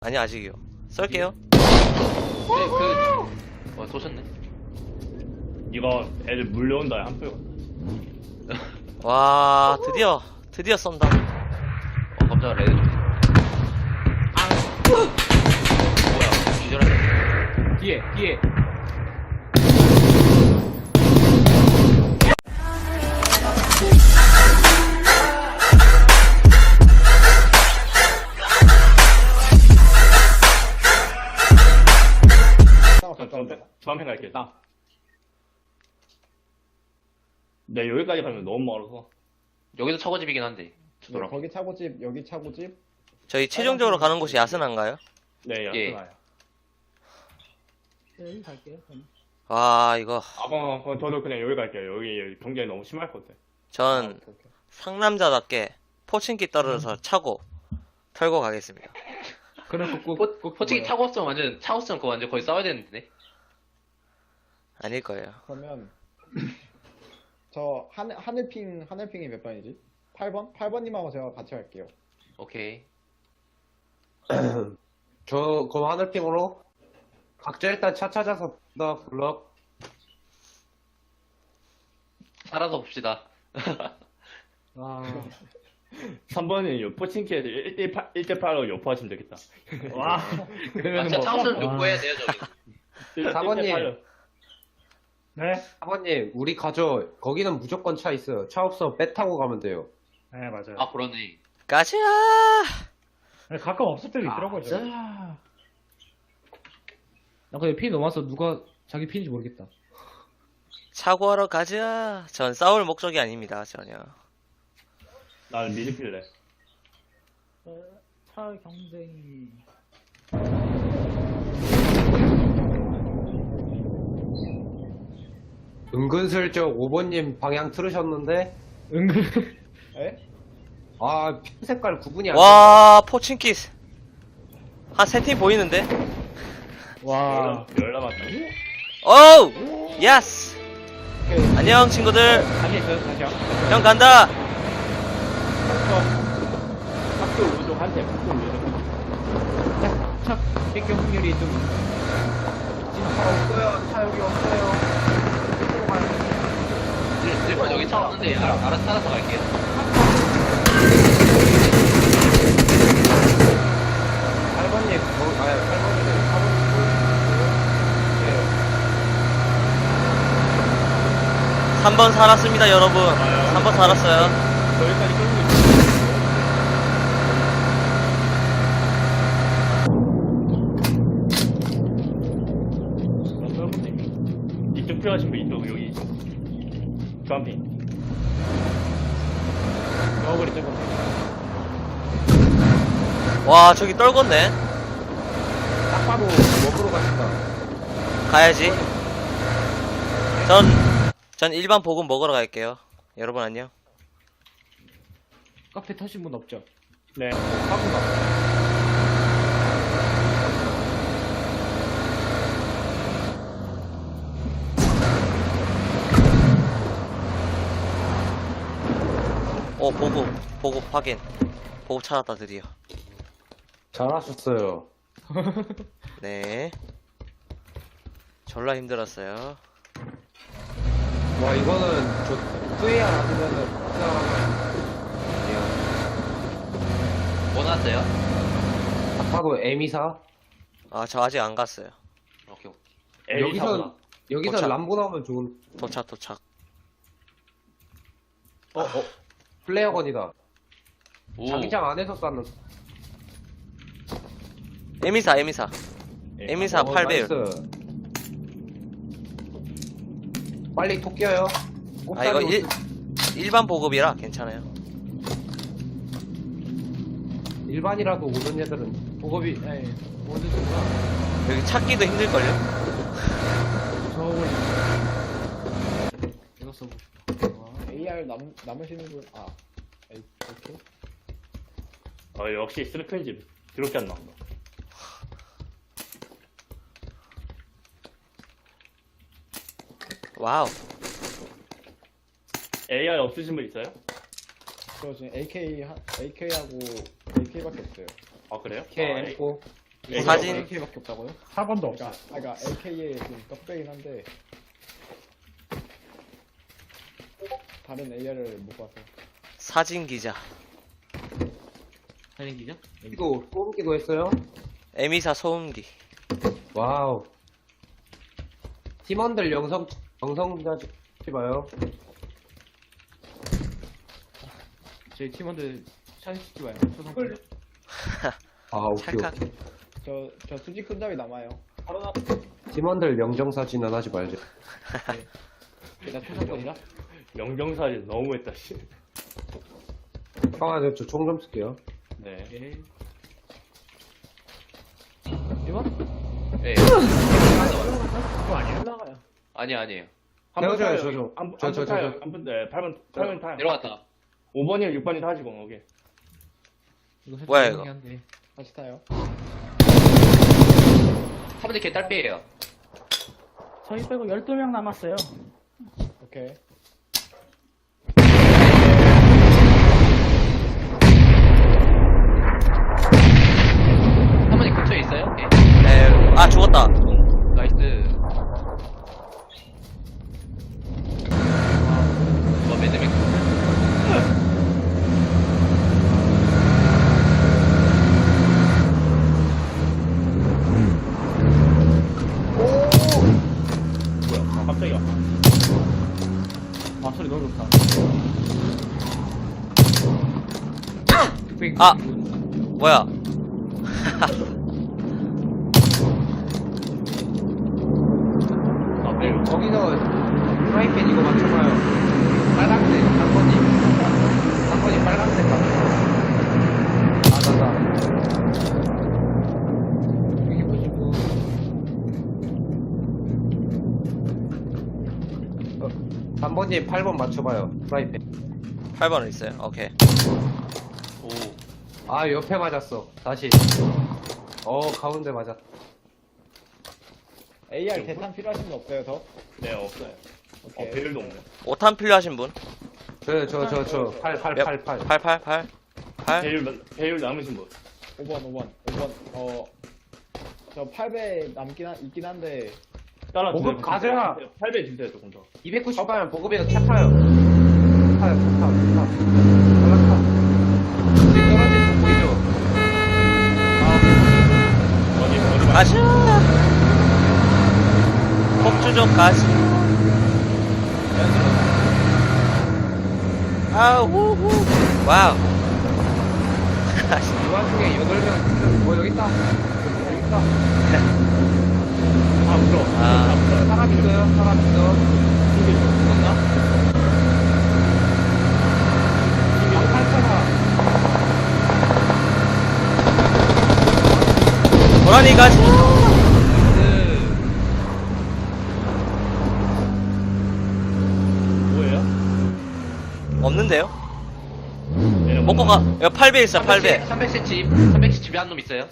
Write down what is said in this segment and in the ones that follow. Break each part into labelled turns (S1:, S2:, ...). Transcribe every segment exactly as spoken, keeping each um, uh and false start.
S1: 아니 아직이요. 쏠게요.
S2: 네, 그, 어, 쏘셨네.
S3: 이거 애들 물려온다 한 표.
S1: 와 드디어 드디어 쏜다.
S2: 어, 깜짝이야, 레드 좀. 뭐야, 기절했네.
S4: 뒤에 뒤에
S3: 주한편 갈게. 나. 네 여기까지 가면 너무 멀어서.
S2: 여기도 차고집이긴 한데.
S5: 네,
S2: 저도랑.
S5: 거기 차고집, 여기 차고집.
S1: 저희 최종적으로 가는 곳이 야스나인가요?
S3: 네
S2: 예.
S3: 야스나요.
S4: 여기 갈게요. 저는.
S1: 와 이거
S3: 아 그럼, 그럼 저도 그냥 여기 갈게요. 여기, 여기 경쟁이 너무 심할 것 같아.
S1: 전
S5: 오케이, 오케이.
S1: 상남자답게 포칭기 떨어져서 차고 털고 가겠습니다.
S4: 그럼 꼭,
S2: 포,
S4: 꼭
S2: 포치기
S4: 뭐야.
S2: 차고 왔으면 완전, 차고 왔으면 그거 완전 거의 싸워야 되는데.
S1: 아닐 거예요.
S5: 그러면 저 하늘 하늘핑 하늘핑이 몇 번이지? 팔 번? 팔 번님하고 제가 같이 갈게요.
S2: 오케이.
S6: 저, 그럼 하늘핑으로 각자 일단 차 찾아서 나 불러.
S2: 살아서 봅시다.
S4: 와
S3: 삼 번은 요 포칭키에서 일 대 팔, 일 대 팔로 요포하시면 되겠다. 와.
S2: 아,
S3: 그러면
S2: 진짜 차 없으면
S4: 와.
S2: 욕구해야 돼요, 저기.
S6: 사번님.
S3: 네?
S6: 사모님, 우리 가죠. 거기는 무조건 차 있어요. 차 없어 배 타고 가면 돼요.
S7: 네, 맞아요.
S2: 아, 그러네.
S1: 가자.
S7: 아니, 가끔 없을 때도 있더라고요.
S4: 자. 나 근데 피 넘어서 누가 자기 피인지 모르겠다.
S1: 차고하러 가자. 전 싸울 목적이 아닙니다 전혀.
S3: 나는 미드필래.
S4: 차 경쟁이.
S6: 은근슬쩍 오 번님 방향 틀으셨는데,
S4: 은근.
S5: 에?
S6: 아, 핀 색깔 구분이 안
S1: 와 포칭기 한 세 팀 보이는데?
S4: 와.
S3: 열 남았다.
S1: 오우 예스. 안녕 친구들.
S3: 다시 있어요, 다시요.
S1: 형 간다.
S3: 학교 오른쪽 한 대, 학교 오른쪽.
S4: 차 뺏겨 확률이 좀.
S6: 차 없어요. 차 여기 없어요.
S2: 일번 여기 차 없는데, 알아, 알아서 찾아서 갈게요.
S6: 팔 번님, 거, 아, 팔 번님, 사 번님
S1: 삼 번 살았습니다 여러분. 삼 번 살았어요.
S3: 여기까지 끌고 있어. 이쪽 필요하신 분 이쪽 여기 이쪽. 주한핀.
S5: 저거리 저거.
S1: 와 저기 떨궜네.
S6: 딱 봐도 먹으러 가신다.
S1: 가야지. 전, 전 일반 보급 먹으러 갈게요. 여러분 안녕.
S4: 카페 타신 분 없죠?
S3: 네.
S1: 오 보급 보급 확인. 보급 찾았다 드디어.
S6: 잘하셨어요.
S1: 네. 졸라 힘들었어요.
S6: 와, 이거는 저 후회야 아니면은 아니야.
S2: 뭐 났어요?
S6: 딱 봐도 에미사.
S1: 아 저 아직 안 갔어요.
S2: 오케이, 오케이.
S6: 여기서 여기서
S1: 도착.
S6: 람보 나오면 좋은.
S1: 도착 도착.
S6: 어, 어. 플레어건이다.
S2: 오.
S6: 자기장 안에서 쐈는.
S1: 에미사 에미사. 에미사
S6: 어,
S1: 팔 배율.
S6: 나이스. 빨리 토 껴요.
S1: 아 이거 일, 일반 보급이라 괜찮아요.
S6: 일반이라도 오는 애들은
S4: 보급이, 예, 어디 있구나.
S1: 여기 찾기도 힘들걸요?
S4: 저걸. 이거 써보고 싶어. 와.
S5: 에이알 남 남으시는 분. 아, 에이, 오케이.
S3: 어, 역시 스루펜집 드럽게 안 나온다.
S1: 와우.
S3: 에이알 없으신 분 있어요?
S5: 저 지금 에이케이 한 에이케이하고 에이케이밖에 없어요.
S3: 아 그래요?
S6: 이렇게
S3: 아, 에이-
S6: 했고
S1: 사진.
S4: 에이케이밖에 없다고요?
S7: 사 번도 없어.
S5: 그러니까, 그러니까 에이케이에 좀 떡배긴 한데 다른 에이알을 못 봐서.
S1: 사진 기자.
S2: 사진 기자?
S6: 이거 뽑기도 했어요?
S1: 에미사 소음기.
S6: 와우. 팀원들 영성, 영성자지 봐요.
S4: 저희 팀원들 샷시키지 마요. 초상권.
S6: 아, 오케이,
S1: 찰칵.
S6: 오케이.
S5: 저, 저 수직 손잡이 남아요.
S6: 팀원들 영정사진은 하지 말죠.
S4: 나 초상권이라?
S3: 영정사진 너무했다, 씨.
S6: 형아, 저 총 좀 쓸게요.
S3: 네.
S4: 예. 이번?
S2: 예.
S7: 그거 아니에요?
S4: 올라가요.
S2: 아니, 아니에요.
S6: 태워줘요, 저 좀.
S3: 안,
S6: 저,
S3: 안
S6: 저, 저,
S3: 타요.
S6: 저.
S3: 안 분, 네, 팔 번, 팔 번 타요.
S2: 내려갔다.
S3: 오 번이랑 육 번이 타시고, 오케이.
S4: 이거 살짝
S1: 뭐야,
S4: 이상하긴
S1: 이거?
S4: 한데.
S5: 같이 타요.
S2: 한 번째 개딸피예요.
S8: 저희 빼고 열두 명 남았어요.
S5: 오케이.
S2: 한 번째 근처에 있어요? 오케이.
S1: 에, 아, 죽었다.
S2: 나이스. 뭐 매드맥.
S3: 뭐야, 깜짝이야.
S4: 아, 소리 너무 좋다.
S1: 아! 뭐야.
S3: 아, 네.
S6: 거기서 프라이팬 이거 맞춰봐요. 빨간색, 단번님. 단번님 빨간색 맞춰. 아, 나다.
S4: 이게 보시고.
S6: 단번님 팔 번 맞춰봐요. 프라이팬.
S1: 팔 번은 있어요. 오케이.
S2: 오.
S6: 아, 옆에 맞았어. 다시. 어, 가운데 맞았.
S5: 에이알 대탄 필요하신 분 없어요, 더?
S3: 네, 없어요. 어,
S5: 오케이.
S3: 배율도 없네.
S1: 오탄 필요하신 분?
S6: 저, 저, 저, 저. 팔, 팔,
S1: 몇?
S6: 팔, 팔.
S1: 팔, 팔, 팔. 팔?
S3: 배율, 배율 남으신 분.
S5: 오 번, 오 번, 오 번. 어, 저 팔 배 남긴 한, 있긴 한데,
S3: 따라
S6: 보급 가자.
S3: 팔 배 주세요, 조금 더.
S6: 이백구십 가면 보급에서 차 타요. 타요, 차 타, 차 타. 연락 타. 떨어진 거 보이죠?
S3: 어디, 어디 가?
S1: 가자! 폭주족 가시. 아우, 후후. 와우.
S6: 이 와중에 여덟 명, 뭐, 여기 있다. 여기 있다.
S3: 아, 물어.
S1: 아.
S3: 아, 물어.
S6: 사람 있어요, 사람 있어.
S3: 이게 죽었나?
S6: 아, 팔차가.
S1: 고라니 가시.
S3: 뭐예요?
S1: 없는데요?
S3: 얘네
S1: 먹고 가. 야, 팔 배 있어, 팔 배.
S2: 삼백 세 집. 삼백 세 집에 한 놈 있어요.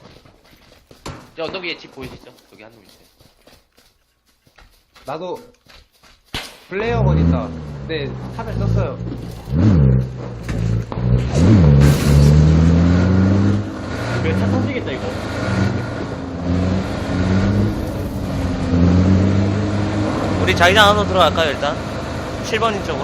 S2: 저 언덕 위에 집 보이시죠? 여기 한 놈 있어요.
S6: 나도 플레이어건 있다. 근데 탑을 썼어요.
S3: 왜차 터지겠다, 이거.
S1: 우리 자기장 안으로 들어갈까요, 일단? 칠 번인 쪽으로.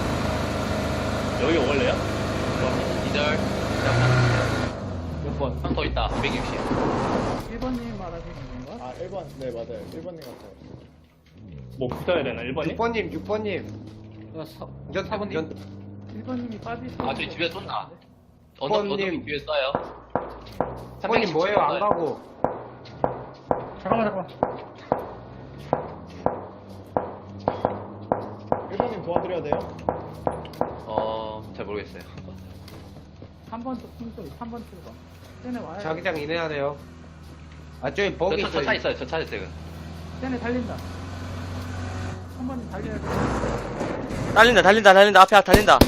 S3: 여기 올래요?
S2: 이절.
S4: 몇 번?
S2: 한 번 더 있다. 이백육십.
S8: 일 번님 말하시는 건가?
S5: 아, 일 번, 네, 맞아요. 일 번님 같아요.
S3: 뭐 붙어야 되나, 일 번이?
S6: 육 번님, 육 번님.
S4: 나 사,
S6: 전,
S4: 사번님.
S6: 전,
S8: 일 번님이 빠질 수
S2: 아, 저희 집에 쏜다. 언덕, 언덕
S6: 번님.
S2: 뒤에 쏴요.
S6: 번님 뭐예요? 안 가고.
S7: 잠깐만, 잠깐만.
S5: 일 번님 도와드려야 돼요?
S2: 어, 잘 모르겠어요.
S8: 삼 번 쪽 핑소리, 삼 번 출구. 쟤네 와요.
S6: 자기장 이내야 돼요. 아, 저기 버기
S2: 저, 저, 차
S6: 있어요.
S2: 있어요. 저 차 있어요.
S8: 쟤네 달린다. 삼 번님 달려야 돼.
S1: 달린다, 달린다, 달린다. 앞에 달린다.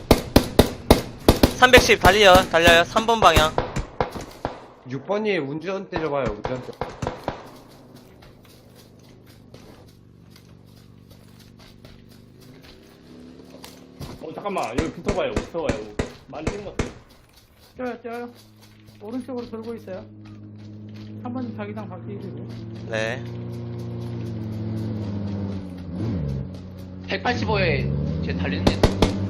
S1: 삼백십 달려요, 달려요. 삼 번 방향.
S6: 육 번님 운전대 줘봐요, 운전대.
S3: 어, 잠깐만. 여기 붙어봐요, 붙어봐요. 많이 생겼어.
S8: 뛰어요, 뛰어요. 오른쪽으로 돌고 있어요. 삼 번 자기장 바뀌시고.
S1: 네.
S2: 백팔십오에 제 달리는데.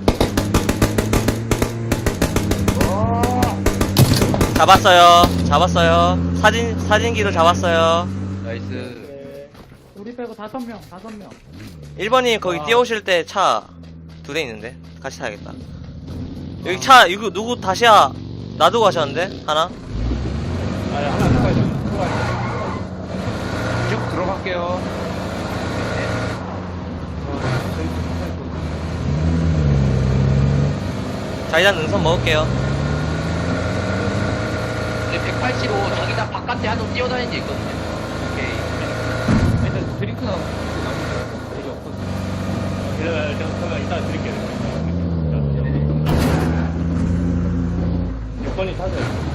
S1: 잡았어요. 잡았어요. 사진, 사진기도 잡았어요.
S2: 나이스.
S5: 네.
S8: 우리 빼고 다섯 명, 다섯 명.
S1: 일 번님 거기
S8: 아.
S1: 뛰어오실 때 차 두 대 있는데 같이 타야겠다. 여기 차 이거 누구 다시야 놔두고 가셨는데 하나?
S3: 아, 하나 더 가야 돼.
S6: 쭉 들어갈게요.
S1: 자 일단 능선 먹을게요.
S2: 근데 백팔십오 자기장 바깥에 한 놈 뛰어다니는 게 있거든요. 오케이.
S4: 일단 드링크 나오면 되게 없거든.
S3: 제가, 제가, 제가 이따 드릴게요. 육 번이 타세요.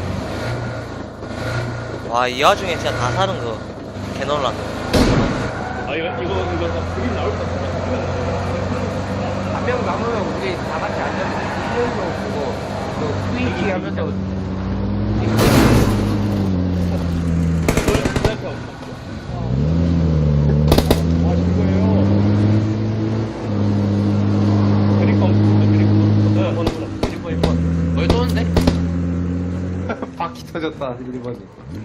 S1: 와 이 와중에 진짜 다 사는 거 개놀랐네.
S3: 아, 이거, 이거, 이거, 그림 나올 것 같아.
S6: 한 명 남으면 우리 다 같이 앉아서 훈련도 보고 또 스위치 하면서
S5: 아, 이거예요.
S3: 드링크 없어, 드링크. 네, 번호 번호.
S6: 일 번 일 번
S2: 뭘 쏘는데?
S6: 바퀴 터졌다 일 번이.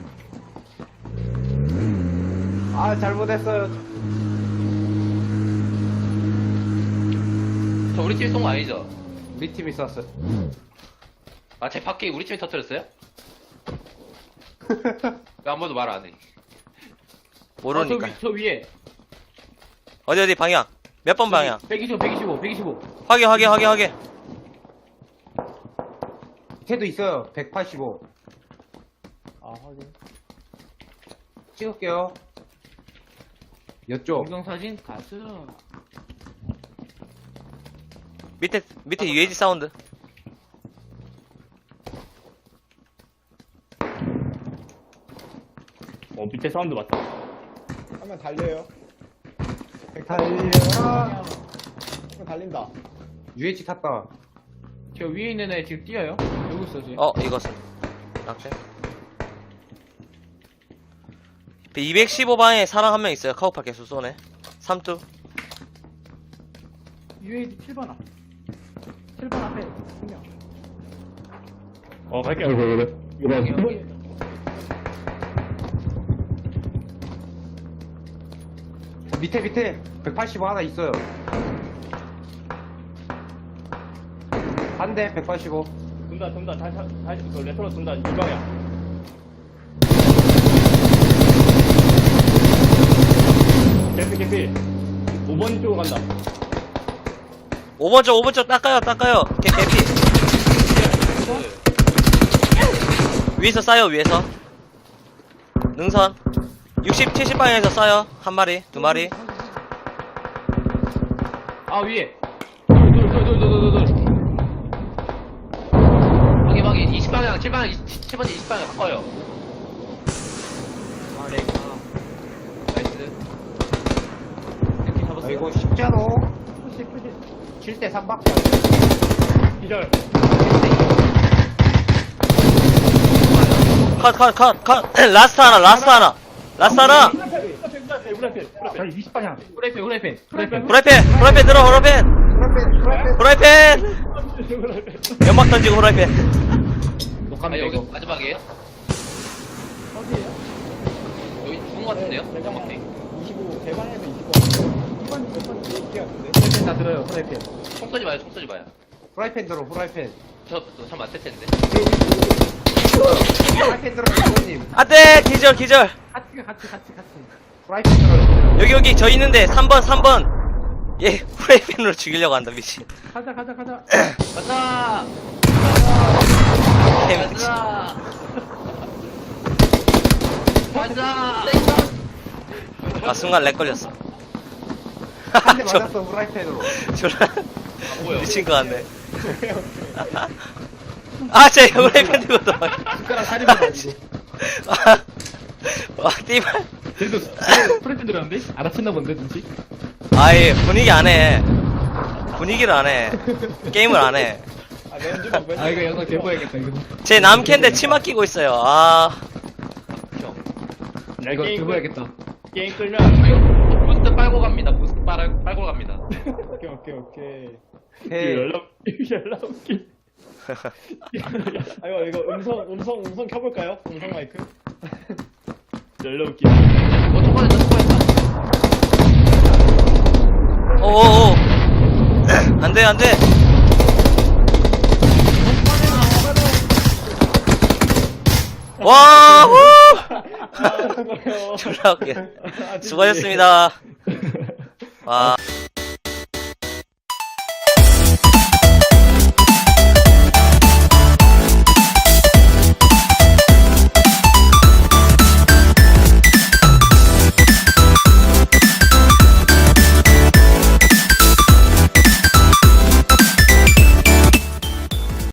S6: 아 잘못했어요.
S2: 저 우리 팀이 쏜 거 아니죠?
S6: 우리 팀이 쐈어요.
S2: 아, 제 바퀴 우리 팀이 터뜨렸어요? 왜 아무도 말 안 해?
S1: 모르니까.
S8: 어, 저, 위, 저 위에.
S1: 어디 어디 방향? 몇 번 방향?
S8: 백이십오, 백이십오, 백이십오.
S1: 확인 확인 확인 확인.
S6: 걔도 있어요. 백팔십오.
S5: 아, 확인.
S6: 찍을게요. 이쪽.
S8: 동영사진 가스.
S1: 밑에 밑에 유에이지 사운드.
S3: 어, 밑에 사운드 맞다.
S5: 하면 달려요.
S6: 달려.
S5: 하면 달린다.
S6: 유에이치 탔다.
S8: 저 위에 있는 애 지금 뛰어요. 여기 있어, 지금.
S1: 어 이것은 낙제. 이백십오 방에 사람 한 명 있어요. 카우팔 개수 쏘네. 삼두.
S8: 유에이지 칠 번 앞. 칠 번 앞에 한 명.
S3: 어, 갈게요. 그래, 그래.
S8: 여기, 여기.
S6: 밑에 밑에 백팔십오 하나 있어요. 한 대 백팔십오.
S3: 돈다, 돈다. 다시, 다시, 그 레터로 돈다. 이 방향. 개피, 개피. 오 번 쪽으로 간다.
S1: 오 번 쪽 오 번 쪽 닦아요 닦아요. 개 개피. 위에서 싸요 위에서. 능선. 육십, 칠십 방향에서 싸요. 한 마리, 두 마리.
S8: 아, 위에. 둘, 둘, 둘, 둘, 둘, 둘, 둘.
S2: 방해 방해 이십 방향, 칠 방향, 칠 번째 이십 방향 바꿔요.
S8: 아, 렉. 아.
S2: 나이스.
S8: 이렇게 잡았어요.
S6: 아 이거 쉽잖아.
S8: 푸시, 푸시.
S6: 칠 대 삼 밖에 안 돼.
S3: 기절.
S1: 컷 컷 컷 컷. 라스트 하나 라스트 하나. 라스트 하나.
S7: 자, 이십 방향.
S8: 프라이팬, 프라이팬. 프라이팬.
S1: 후라이팬 후라이팬 들어 후라이팬.
S6: 프라이팬 프라이팬.
S1: 후라이팬. 연막 던지고 후라이팬.
S2: 아,
S8: 녹화면
S2: 여기
S8: 이거.
S2: 마지막이에요?
S5: 어디에요?
S2: 여기 죽은 거 같은데요?
S5: 제가
S2: 정확히.
S5: 이십오, 대방에서 이십오. 이번, 몇번 얘기 같은데?
S8: 프라이팬 다 들어요, 프라이팬.
S2: 총 쏘지 마요, 총 쏘지 마요.
S6: 프라이팬 들어 프라이팬.
S2: 저, 참안 뜰 텐데.
S6: 프라이팬 들어 이모님.
S1: 안돼 기절 기절.
S8: 같이, 가, 같이, 같이, 같이.
S6: 프라이팬 들어.
S1: 여기 여기 저 있는데 삼 번 삼 번. 얘 후라이팬으로 죽이려고 한다 미친.
S8: 가자, 가자, 가자.
S2: 가자!
S1: 개미친.
S2: 가자! 가자!
S1: 아 순간 렉 걸렸어.
S6: 한 대
S1: 저-
S6: 맞았어 프라이팬으로.
S1: 졸라
S2: 뭐야?
S1: 미친 거 같네. 아, 쟤 후라이팬 들고 도망.
S8: 숟가락 사리면 가지고.
S1: 아, 와, 띠발.
S8: 그래도 프라이팬 들었는데? 알아챘나 본데, 눈치?
S1: 아예 분위기 안 해. 분위기를 안 해. 게임을 안 해.
S5: 아, 렌즈 막
S8: 아, 이거 영상 개보야겠다, 이거.
S1: 제 남캔데 치마 끼고 있어요. 아,
S2: 형.
S3: 야,
S4: 이거
S3: 게임
S4: 들고
S3: 끌-
S4: 야겠다.
S3: 게임 끌면 안 돼.
S2: 이거 부스트 빨고 갑니다. 부스트 빨, 빨고 갑니다.
S5: 오케이, 오케이, 오케이.
S3: 그 연락 연락 웃기.
S5: 아, 이거, 이거 음성, 음성, 음성 켜볼까요? 음성 마이크?
S3: 연락 웃기.
S2: 어, 초반했다, 초반했다.
S1: 오오오. 안 돼, 안 돼. 와, 후!
S5: 아, 수고해요.
S1: 졸라 웃겨.
S5: 아, 진짜.
S1: 수고하셨습니다. 와.